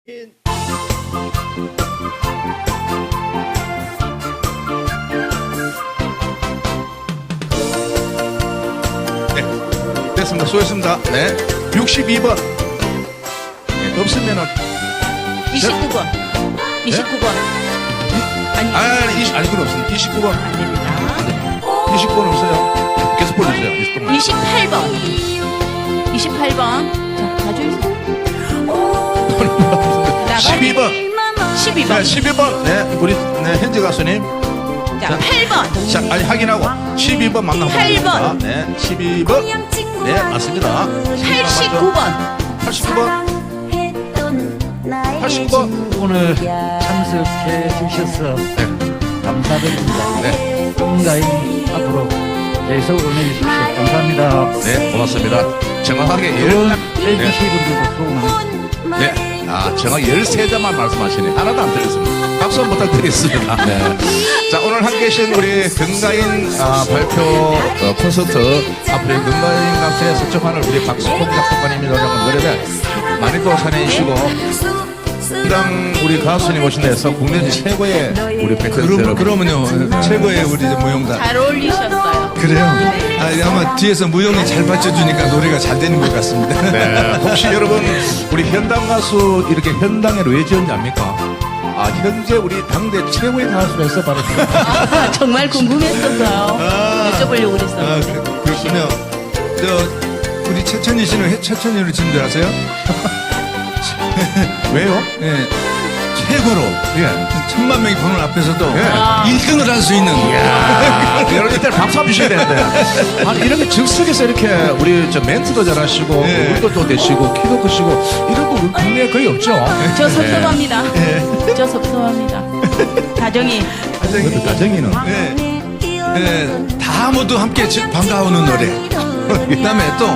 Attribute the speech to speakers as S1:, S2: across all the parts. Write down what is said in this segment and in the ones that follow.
S1: 네, 됐습니다. 수고했습니다. 네, 62번. 네, 없으면은
S2: 29번. 29번.
S1: 아니 그건 없습니다. 29번.
S2: 안 됩니다.
S1: 29번 없어요. 계속 보여주세요.
S2: 28번. 28번. 자, 가져주세요.
S1: 12번.
S2: 12번.
S1: 네, 12번. 네, 우리 현지 가수님.
S2: 자, 8번.
S1: 자, 아니 확인하고 12번 맞나?
S2: 8번.
S1: 네, 12번. 네, 맞습니다.
S2: 89번.
S1: 89번. 89번.
S3: 오늘 참석해 주셔서 감사드립니다.
S1: 네,
S3: 건강히 앞으로 계속 응원해 주십시오. 감사합니다.
S1: 네, 고맙습니다. 정확하게
S3: 해주신 분들도 수고 많으십니다.
S1: 네. 아, 정확 13자만 말씀하시네. 하나도 안 틀렸습니다. 박수 한번 부탁드리겠습니다. 네. 자, 오늘 함께 계신 우리 건가인 발표 콘서트 앞으로 건가인 가수의 서초판을 우리 박수홍 작곡가님이 노래한 노래를 많이 또 사랑해주시고 당 우리 가수님 오신 데서 국내 최고의 우리 팬들 여러분.
S4: 그러면요 최고의 우리 무용단.
S2: 잘 어울리셨어요.
S4: 그래요? 아마 뒤에서 무용이 잘 받쳐주니까 노래가 잘 되는 것 같습니다.
S1: 네. 혹시 여러분 우리 현당 가수 이렇게 현당에 왜 지었냐입니까? 아, 현재 우리 당대 최고의 가수라서 바로
S2: 아, 정말 궁금했었어요. 여쭤보려고 그랬어요.
S4: 그렇군요. 우리 최천희 씨는 최천희로 지은 줄 아세요?
S1: 왜요?
S4: 예, 최고로
S1: 예.
S4: 1000만 명이 보는 앞에서도
S1: 예.
S4: 1등을 할 수 있는.
S1: 여러분 이때 박수 한번 주셔야 되는데. 아니 이렇게 즉석에서 이렇게 우리 저 멘트도 잘하시고
S4: 예.
S1: 물도 또 되시고 키도 크시고 이런 분 국내에 거의 없죠.
S2: 저 섭섭합니다. 저 섭섭합니다. 다정이.
S1: 그것도 가정이는
S4: 다 모두 함께 반가우는 노래. 그다음에 또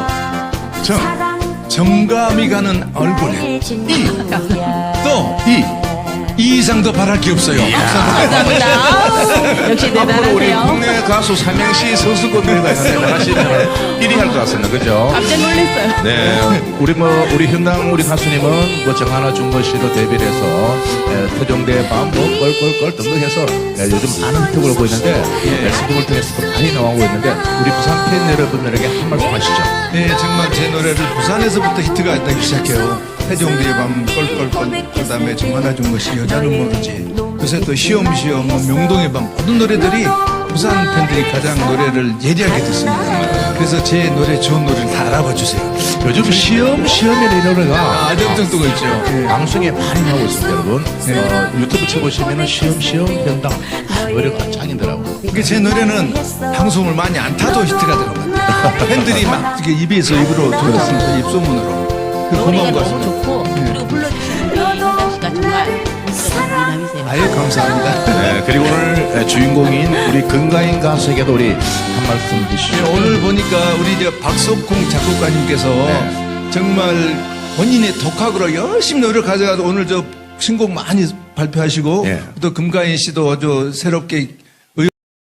S4: 정감이 가는 얼굴에 또 이 이상도 바랄 게 없어요.
S2: 감사합니다. 역시
S1: 앞으로 우리
S2: 대단하세요.
S1: 국내 가수 삼행시 선수권 대회가 있는데 나가시면 1위 할 것 같습니다. 그죠?
S2: 깜짝 놀랐어요.
S1: 네, 우리 현당 우리 가수님은 뭐 정하나 준거 씨도 데뷔를 해서 토종대 밤뭐 껄껄껄 등등해서 요즘 많은 히트곡을 보고 있는데 앨범을 통해서도 많이 나오고 있는데 우리 부산 팬 여러분들에게 한 말씀 하시죠.
S4: 네, 정말 제 노래를 부산에서부터 히트가 되기 시작해요. 태종대의 밤 껄껄껄, 그 다음에 정하나 준 것이 여자는 모르지, 요새 또 시험시험, 명동의 밤, 모든 노래들이 부산 팬들이 가장 노래를 예리하게 듣습니다. 그래서 제 노래, 좋은 노래를 다 알아봐 주세요.
S1: 요즘 시험이라는 이 노래가
S4: 아주 엄청 뜨고 있죠.
S1: 방송에 많이 나오고 있습니다, 여러분. 유튜브 쳐보시면은 시험 현당 노래가 짱이더라고요.
S4: 이게 제 노래는 방송을 많이 안 타도 히트가 되는 것 같아요. 팬들이 막 이렇게 입에서 입으로 들었습니다. 입소문으로. 그
S2: 노래가
S4: 고마운 것
S2: 너무
S4: 같습니다.
S2: 좋고 그리고 불러주신 우리 현당 씨가 정말 미남이세요.
S4: 아유, 감사합니다.
S1: 네, 그리고 오늘 주인공인 우리 건가인 가수에게도 우리 한 말씀 주시죠.
S4: 오늘 보니까 우리 박석콩 작곡가님께서 정말 본인의 독학으로 열심히 노력하셔서 오늘 신곡 많이 발표하시고
S1: 예.
S4: 또 금가인 씨도 새롭게